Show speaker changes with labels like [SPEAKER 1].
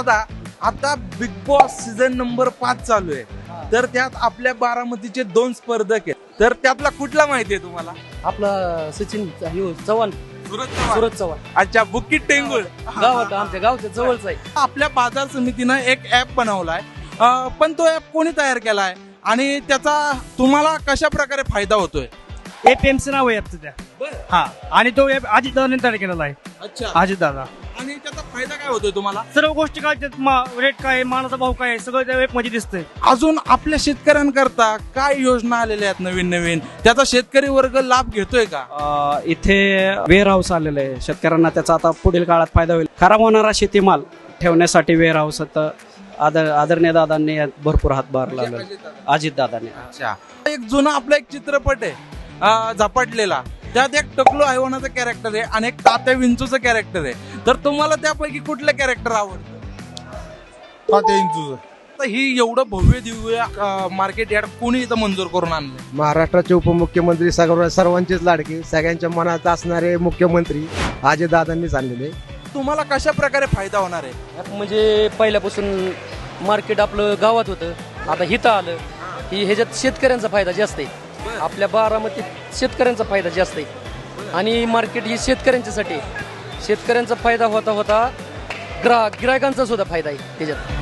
[SPEAKER 1] दादा, आता big boss season number 5 चालू आहे, तर त्यात आपल्या बारामतीचे 2 स्पर्धक आहेत, तर त्यातला कुठला माहिती आहे तुम्हाला?
[SPEAKER 2] आपला सचिन चव्हाण, सूरज चव्हाण.
[SPEAKER 1] अच्छा, बुकिट टेंगुळ
[SPEAKER 2] गावात आमच्या गावच्या जवळच आहे.
[SPEAKER 1] आपल्या बाजार समितीनं एक ऍप बनवलाय, पण तो ऍप कोणी तयार केलाय आणि त्याचा तुम्हाला कशा प्रकारे फायदा होतोय?
[SPEAKER 3] एपीएमसी नाव आहे ऍपचं त्या. हा, आणि तो ऍप अजितदादाने तयार केलेला आहे.
[SPEAKER 1] अच्छा,
[SPEAKER 3] अजितदादा.
[SPEAKER 1] आणि त्याचा फायदा काय होतोय तुम्हाला?
[SPEAKER 3] सर्व गोष्टी काय रेट काय आहे, मानाचा भाव काय आहे, सगळं त्या ऍप मध्ये दिसतंय.
[SPEAKER 1] अजून आपल्या शेतकऱ्यांकरता काय योजना आलेल्या आहेत नवीन नवीन, त्याचा शेतकरी वर्ग लाभ घेतोय का?
[SPEAKER 4] इथे वेअर हाऊस आलेलं आहे, शेतकऱ्यांना त्याचा आता पुढील काळात फायदा होईल. खराब होणारा शेतीमाल ठेवण्यासाठी वेअर हाऊस आदरणीय दादांनी यात भरपूर हातभार लावला. अजित दादांनी.
[SPEAKER 1] अच्छा, एक जुना आपला एक चित्रपट आहे झपाटलेला, त्यात एक टकलू हैवानाचं कॅरेक्टर आहे आणि एक तात्या विंचूचं कॅरेक्टर आहे, तर तुम्हाला त्यापैकी कुठलं कॅरेक्टर आवडतं?
[SPEAKER 5] तात्या विंचूचं.
[SPEAKER 1] तर ही एवढं भव्य दिव्य मार्केट यार्ड कोणी इथं मंजूर करून आणलं?
[SPEAKER 5] महाराष्ट्राचे उपमुख्यमंत्री सर्वांचेच लाडके, सगळ्यांच्या मनात असणारे मुख्यमंत्री अजितदादांनीच आणलेले.
[SPEAKER 1] तुम्हाला कशा प्रकारे फायदा होणार आहे?
[SPEAKER 2] म्हणजे पहिल्यापासून मार्केट आपलं गावात होतं, आता हिथं आलं की ह्याच्यात शेतकऱ्यांचा फायदा जास्त आहे. आपल्या बारामतीत शेतकऱ्यांचा फायदा जास्त आहे आणि मार्केट ही शेतकऱ्यांच्यासाठी आहे. शेतकऱ्यांचा फायदा होता होता गिरायकांचा सुद्धा फायदा आहे त्याच्यात.